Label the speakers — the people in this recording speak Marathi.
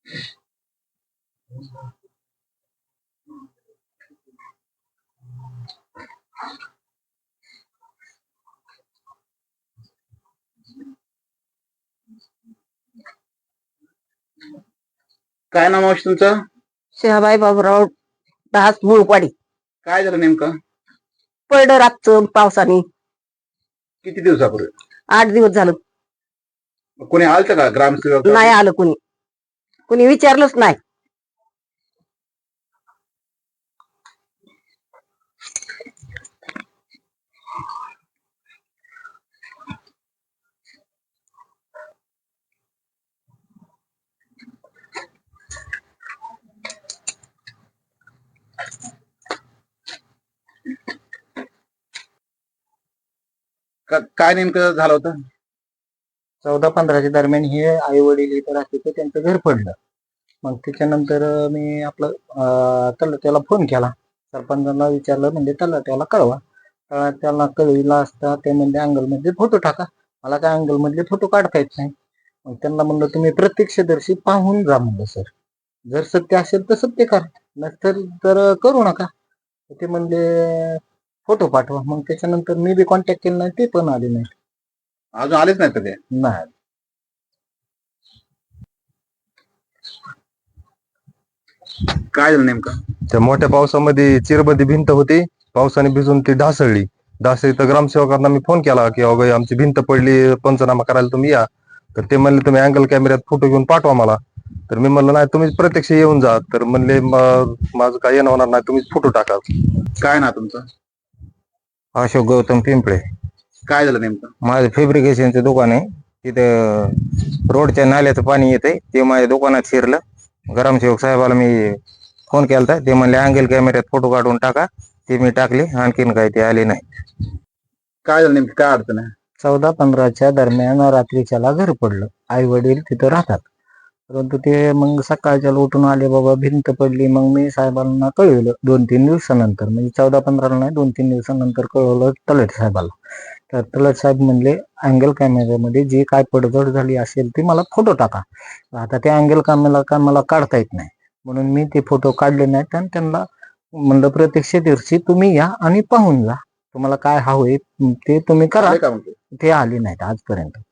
Speaker 1: काय नाव मावशी तुमचं?
Speaker 2: शहाबाई बाबूराव दास मुळपाडी.
Speaker 1: काय झालं नेमकं?
Speaker 2: पडलं रातचं पावसाने.
Speaker 1: किती दिवसापूर्वी?
Speaker 2: 8 दिवस झालं.
Speaker 1: कोणी आलतं का ग्रामसेवक?
Speaker 2: नाही आलं कुणी. कुणी विचारलंच नाही.
Speaker 1: काय नेमकं झालं होतं?
Speaker 3: 14-15च्या दरम्यान हे आई वडील इथं राहते तर त्यांचं घर पडलं. मग त्याच्यानंतर मी आपलं तलाट्याला फोन केला. सरपंचाला विचारलं, म्हणजे तलाट्याला कळवा. तलाट्याला कळविला असता ते म्हणजे अँगलमध्ये फोटो टाका. मला काय अँगलमधले फोटो काढता येत नाही. मग त्यांना म्हणलं तुम्ही प्रत्यक्षदर्शी पाहून जा म्हणलं सर. जर सत्य असेल तर सत्य करा, नसेल तर करू नका. ते म्हणले फोटो पाठवा. मग त्याच्यानंतर मी बी कॉन्टॅक्ट केला नाही, ते पण आले नाही.
Speaker 1: अजून आलेच नाही तर ते?
Speaker 3: नाही.
Speaker 1: काय झालं नेमकं?
Speaker 4: त्या मोठ्या पावसामध्ये चिरबंदी भिंत होती, पावसाने भिजून ती ढासळली. तर ग्रामसेवकांना मी फोन केला की अगं आमची भिंत पडली, पंचनामा करायला तुम्ही या. तर ते म्हणले तुम्ही अँगल कॅमेऱ्यात फोटो घेऊन पाठवा मला. तर मी म्हणलं नाही, तुम्ही प्रत्यक्ष येऊन जा. तर म्हणले माझं काय येणं होणार नाही, तुम्हीच फोटो टाका.
Speaker 1: काय ना तुमचं?
Speaker 3: अशोक गौतम पिंपळे.
Speaker 1: काय झालं नेमकं?
Speaker 3: माझं फॅब्रिकेशनचं दुकान आहे. तिथं रोडच्या नाल्याचं पाणी येतंय, ते माझ्या दुकानात शिरलं. ग्रामसेवक साहेबाला मी फोन केला, ते म्हणले अँगल कॅमेऱ्यात फोटो काढून टाका. ते मी टाकले, आणखीन काय ते आले नाही.
Speaker 1: काय झालं नेमकी, काय अडचण आहे?
Speaker 3: 14-15च्या दरम्यान रात्रीच्याला घर पडलं. आई वडील तिथं राहतात, परंतु ते मग सकाळच्या उठून आले, बाबा भिंत पडली. मग मी साहेबांना कळवलं 2-3 दिवसानंतर, म्हणजे 14-15 नाही, 2-3 दिवसानंतर कळवलं तलाठी साहेबाला. तर तलाठी साहेब म्हणले अँगल कॅमेऱ्यामध्ये जी काय पडझड झाली असेल ती मला फोटो टाका. आता त्या अँगल कॅमेरा काय मला काढता येत नाही, म्हणून मी ते फोटो काढले नाहीत. आणि त्यांना म्हणलं प्रत्यक्षदर्शी तुम्ही या आणि पाहून जा, तुम्हाला काय हवंय ते तुम्ही करा.
Speaker 1: आले का मग ते?
Speaker 3: ते आले नाहीत आजपर्यंत.